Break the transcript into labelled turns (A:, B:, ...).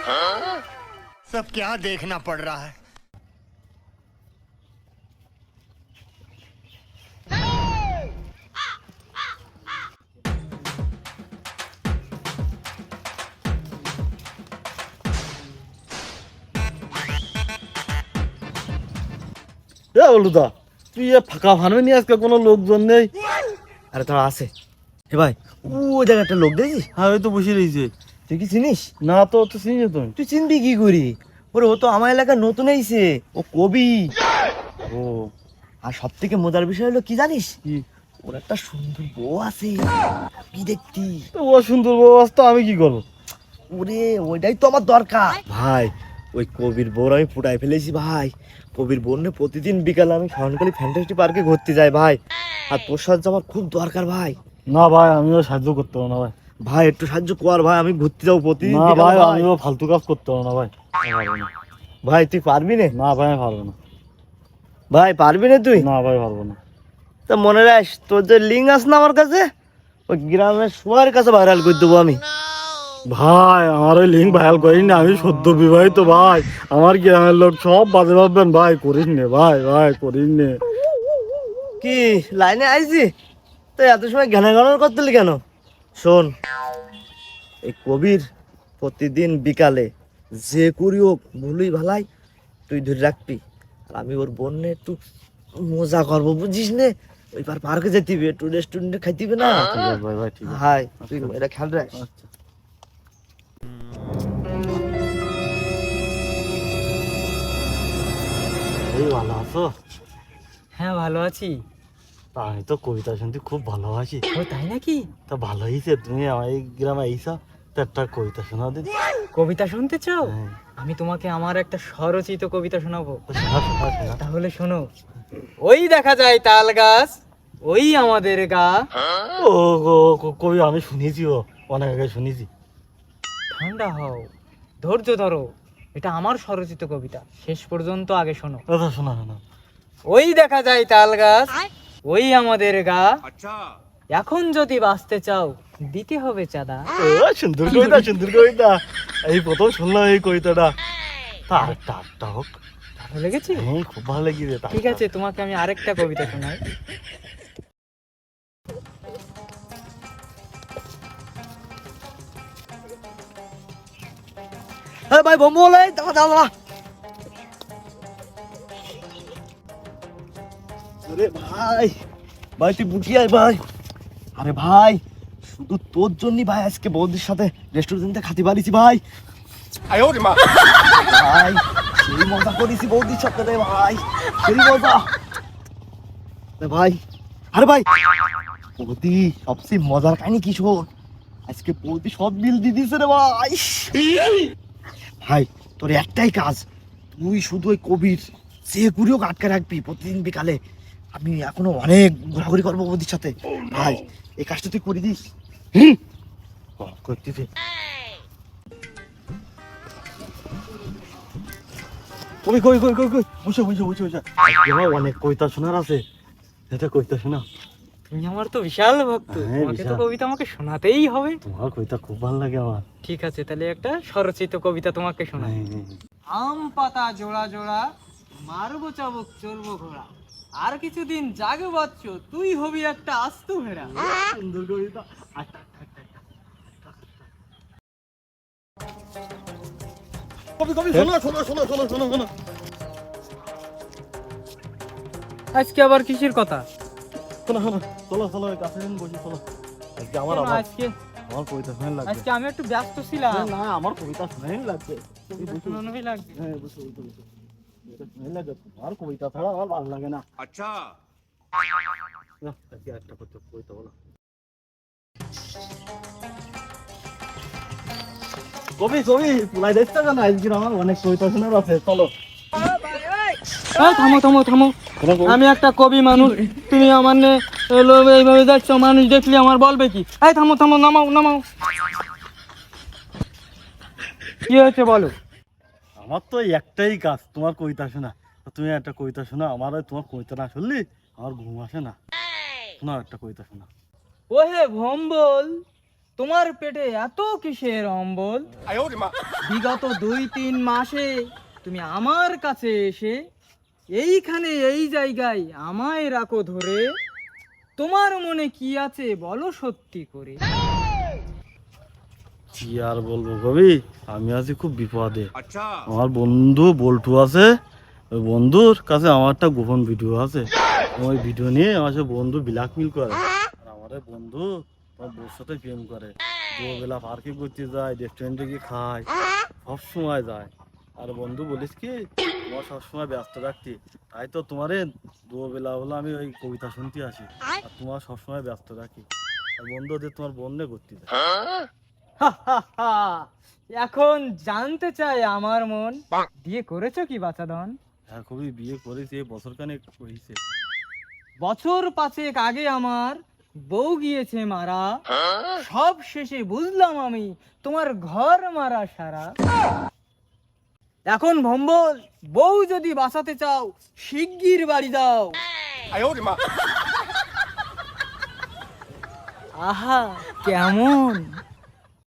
A: सब क्या देखना पड़ रहा है।
B: বলুদা তুই ফাঁকা ফার্মে নিয়ে আজকে কোনো লোকজন নেই?
C: আরে তোরা আছে হে ভাই, ওই জায়গায় একটা লোক দেখছিস?
B: হ্যাঁ ওই তো বসে রয়েছে।
C: তুই কি চিনিস?
B: না তো তো চিনি তুমি।
C: তুই চিনবি কি করি? ওরে ও তো আমার এলাকায় নতুন আইছে, ও কবি।
B: ও
C: আর সব থেকে মজার বিষয় হলো কি জানিস?
B: কি?
C: ওর একটা সুন্দর বউ আছে, কি দেখতি?
B: তো ও সুন্দর অবস্থা, আমি কি করবো?
C: ওরে ওইটাই তো আমার দরকার ভাই। ওই কবির বউর আমি ফুটাই ফেলেছি ভাই। কবির বোন প্রতিদিন বিকালে আমি শরণকালী ফ্যান্টাসি পার্কে ঘুরতে যাই ভাই। আর তোর সাহায্য আমার খুব দরকার ভাই।
B: না ভাই আমিও সাহায্য করতে পারবো না ভাই।
C: ভাই একটু সাহায্য কর ভাই, আমি ঘুরতে যাবো প্রতিদিন
B: না
C: বিকালে
B: ভাই
C: ভাই।
B: আমিও ফালতু কাজ করতে পারবো না ভাই। আমি পারবো না।
C: ভাই তুই পারবি না?
B: না ভাই আমি পারবো না।
C: ভাই পারবি না তুই?
B: না ভাই পারবো না।
C: তা মনে রাখ, তোর যে লিঙ্ক আছে না আমার কাছে, ওই গ্রামের সবার কাছে ভাইরাল করে দেবো আমি।
B: ভাই আমার ওই লিঙ্ক ভাইরাল করিস না, আমি সদ্য বিবাহিত ভাই। আমার গ্রামের লোক সব বাজে ভাববেন ভাই। করিস নে ভাই, ভাই করিস নে।
C: কি লাইনে আইছি তো এত সময় ঘ্যানা ঘানার করতেলি কেন? শোন, এই কবির প্রতিদিন বিকালে যে করি হোক ভুলই ভালাই তুই ধরে রাখবি। আর আমি ওর বোনে একটু মজা করবো, বুঝিস নে? ওই পার্কে যেতে হবে, একটু রেস্টুরেন্টে খাইতে হবে না?
B: ঠিক আছে ভাই, ভাই ঠিক আছে।
C: হাই তুই এটা খেয়াল রাখ।
B: আচ্ছা। এই ভালো আছো?
D: হ্যাঁ ভালো আছি।
B: তা আমি তো কবিতা শুনতে খুব ভালোবাসি।
D: ও তাই নাকি?
B: তা ভালো হয়েছে তুমি আমার এই গ্রামে এইসব তো একটা কবিতা শোনা দিন।
D: কবিতা শুনতে চাও?
B: হ্যাঁ।
D: আমি তোমাকে আমার একটা স্বরচিত কবিতা শোনাবো।
B: তো শোনা শোনা শোনা।
D: তাহলে শোনো। ওই দেখা যায় তাল গাছ, ওই আমাদের গা।
B: ও কবি আমি শুনেছি, ও অনেক আগে শুনেছি।
D: ঠান্ডা হও, ধৈর্য ধরো, এটা আমার স্বরচিত কবিতা, শেষ পর্যন্ত আগে শোনো।
B: আচ্ছা শোনা শোনা।
D: ওই দেখা যায় তাল গাছ, ওই আমাদের গা। এখন যদি বাঁচতে চাও দিতে হবে চাঁদা।
B: ও সুন্দর কবিতা, সুন্দর কবিতা। এই প্রথম শুনলাম এই কবিতাটা। তা আরেকটা হোক।
D: ভালো লেগেছে?
B: হ্যাঁ খুব ভালো লেগেছে।
D: ঠিক আছে, তোমাকে আমি আরেকটা কবিতা শোনাই।
C: হ্যাঁ ভাই বোম বলে দাঁড়া দাঁড়া। আরে ভাই, ভাই তুই বুঝি আয় ভাই। আরে ভাই শুধু তোর জন্যই ভাই আজকে বৌদির সাথে রেস্টুরেন্টে খাতে পারিছি ভাই। ভাই সেই মজা করেছি বৌদির সাথে রে ভাই, সেই মজা রে ভাই। আরে ভাই বৌদি সবচেয়ে মজার কাহিনী কি শোন, আজকে বৌদি সব বিল দিয়ে দিয়েছে রে ভাই। ভাই তোর একটাই কাজ, তুই শুধু ওই কবির যে ঘুরেও আটকে রাখবি প্রতিদিন বিকালে। আমি এখনো অনেক ঘোরাঘুরি করবো বৌদির সাথে ভাই, এই কাজটা তুই করে দিস।
B: করতেছে কবি কই কই কই কই বসে বসে বসে বসে। আমার অনেক কবিতা শোনার আছে, এটা কবিতা শোনা।
D: তুমি আমার তো বিশাল ভক্ত,
B: হ্যাঁ,
D: তোমাকে তো
B: বিশাল।
D: কবিতা আমাকে শোনাতেই হবে।
B: তোমার কবিতা খুব ভালো লাগে আমার।
D: ঠিক আছে, তাহলে একটা স্বরচিত কবিতা তোমাকে শোনাই। আম পাতা জোড়া জোড়া, মারবো চাবুক চলবো ঘোড়া, আর কিছুদিন জাগে বাচ্চ, তুই হবি একটা আস্ত ভেড়া।
B: সুন্দর কবিতা। কবি কবি শোনো শোনো শোনো শোনো শোনো শোনো।
D: আজকে আবার কিসের কথা?
B: শোনো শোনো চলো চলো কাছে বসি চলো। আজকে আমার
D: শোনো,
B: আমার
D: আজকে
B: আমার কবিতা শোনাই লাগবে।
D: আজকে আমি একটু ব্যস্ত ছিলাম।
B: না আমার কবিতা শোনাই লাগবে। তুমি বসো।
D: শোনানোই লাগবে।
B: হ্যাঁ বসো বসো বসো। কবিতা শোনাই লাগবে, আর কবিতা ছাড়া আমার ভালো লাগে না।
A: अच्छा
B: না, আজকে একটা কবিতা বলো। কবি কবি পুলাই দেখতে কেন? আজকে আমার অনেক কবিতা শোনার আছে, চলো।
D: এই থামো থামো থামো, আমি একটা কবি মানুষ, তুমি আমার এইভাবে যাচ্ছ, মানুষ দেখলে আমার বলবে কি? এই থামো থামো, নামাও নামাও। কি হয়েছে বলো?
B: আমার তো একটাই কাজ তোমার কবিতা শোনা। তুমি একটা কবিতা শোনা আমার, তোমার কবিতা না শুনলি আমার ঘুম আসে না। শোনা একটা কবিতা শোনা।
D: ওহে ভম্বল, তোমার পেটে এত কিসের অম্বল? বিগত 2-3 মাসে তুমি আমার কাছে এসে এইখানে এই জায়গায় আমায় রাখো ধরে। তোমার মনে কি আছে বলো সত্যি করে।
B: কি আর বলবো কবি, আমি আছি খুব বিপদে। আমার বন্ধু বল্টু আছে, ওই বন্ধুর কাছে আমার একটা গোপন ভিডিও আছে। ওই ভিডিও নিয়ে আমার সাথে বন্ধু ব্ল্যাকমেল করে। আর আমার এই বন্ধু আমার বউর সাথে প্রেম করে, দুবেলা পার্কে করতে যায়, রেস্টুরেন্টে গিয়ে খায়, সব সময় যায়। আর বন্ধু বলিস কি তোমার সবসময় ব্যস্ত রাখতি, তাই তো তোমারে দুবেলা হলো আমি ওই কবিতা শুনতে আসি, আর তোমার সবসময় ব্যস্ত রাখি। আর বন্ধু ওদের তোমার বন্যে করতে যায়।
D: এখন জানতে চাই আমার মন, বিয়ে করেছো কি বাচাধন?
B: হ্যাঁ কবি, বিয়ে করেছি, এই বছর খানেক হয়েছে।
D: বছর 5 আগে আমার বউ গিয়েছে মারা, সব শেষে বুঝলাম আমি তোমার ঘর মারা সারা। এখন ভম্বল, বউ যদি বাঁচাতে চাও শিগগির বাড়ি দাও। আহা কেমন